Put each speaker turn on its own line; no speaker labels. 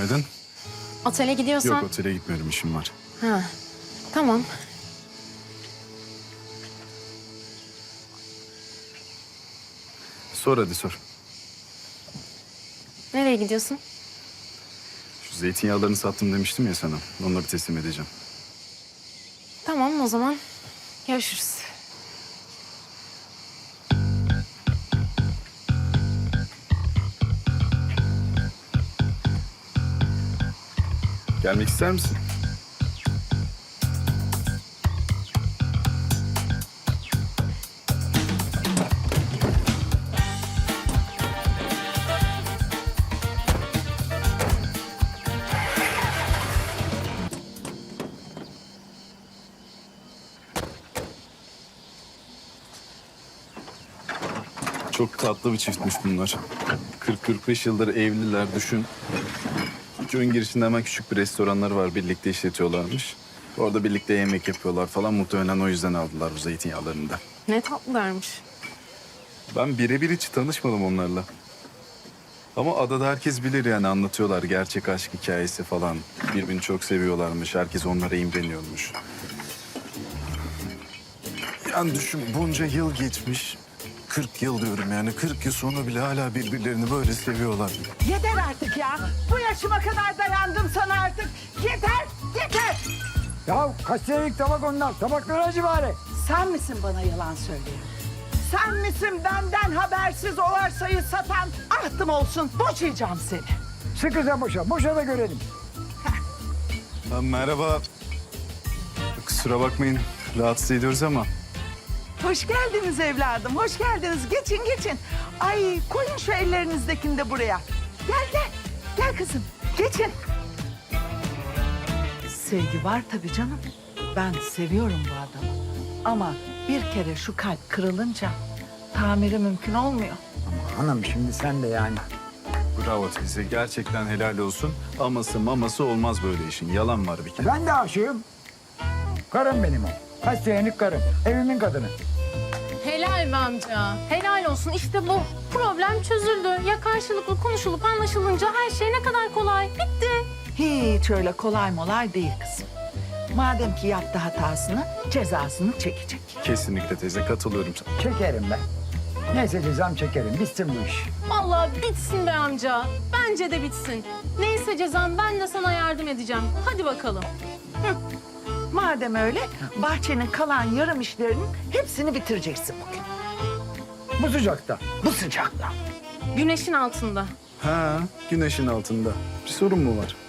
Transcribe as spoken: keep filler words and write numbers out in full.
Günaydın.
Otele gidiyorsan...
Yok, otele gitmiyorum, işim var.
Ha, tamam.
Sor hadi sor.
Nereye gidiyorsun?
Şu zeytinyağlarını sattım demiştim ya sana. Onları teslim edeceğim.
Tamam o zaman. Görüşürüz.
Gelmek ister misin? Çok tatlı bir çiftmiş bunlar. kırk kırk beş yıldır evliler, düşün. Köyün girişinde hemen küçük bir restoranlar var. Birlikte işletiyorlarmış. Orada birlikte yemek yapıyorlar falan. Muhtemelen o yüzden aldılar bu zeytinyağlarını da.
Ne tatlılarmış.
Ben birebir hiç tanışmadım onlarla. Ama adada herkes bilir yani, anlatıyorlar gerçek aşk hikayesi falan. Birbirini çok seviyorlarmış. Herkes onlara imreniyormuş. Yani düşün, bunca yıl geçmiş. kırk yıl diyorum yani. kırk yıl sonra bile hala birbirlerini böyle seviyorlar.
Yeter artık ya. Bu yaşıma kadar dayandım sana artık. Yeter, yeter.
Ya kaç senelik tabak onlar? Tabakları acı bari.
Sen misin bana yalan söyleyen? Sen misin benden habersiz o arsayı satan? Ahtım olsun, boşayacağım seni.
Sıkıca boşa. Boşa da görelim.
Ha, merhaba. Kusura bakmayın, rahatsız ediyoruz ama.
Hoş geldiniz evladım, hoş geldiniz. Geçin, geçin. Ay koyun şu ellerinizdekini de buraya. Gel, gel. Gel kızım, geçin. Sevgi var tabii canım. Ben seviyorum bu adamı. Ama bir kere şu kalp kırılınca tamiri mümkün olmuyor.
Ama hanım şimdi sen de yani.
Bravo teyze, gerçekten helal olsun. Aması maması olmaz böyle işin. Yalan var bir kere.
Ben de aşığım. Karım benim o. Kaç senelik karım. Evimin kadını.
Helal be amca. Helal olsun. İşte bu. Problem çözüldü. Ya karşılıklı konuşulup anlaşılınca her şey ne kadar kolay. Bitti.
Hiç öyle kolay molay değil kızım. Madem ki yaptı hatasını, cezasını çekecek.
Kesinlikle teyze, katılıyorum sana.
Çekerim ben. Neyse cezam çekerim. Bitsin bu iş.
Vallahi bitsin be amca. Bence de bitsin. Neyse cezam, ben de sana yardım edeceğim. Hadi bakalım.
Madem öyle, bahçenin kalan yarım işlerinin hepsini bitireceksin bugün.
Bu sıcakta.
Bu sıcakta.
Güneşin altında.
Ha, güneşin altında. Bir sorun mu var?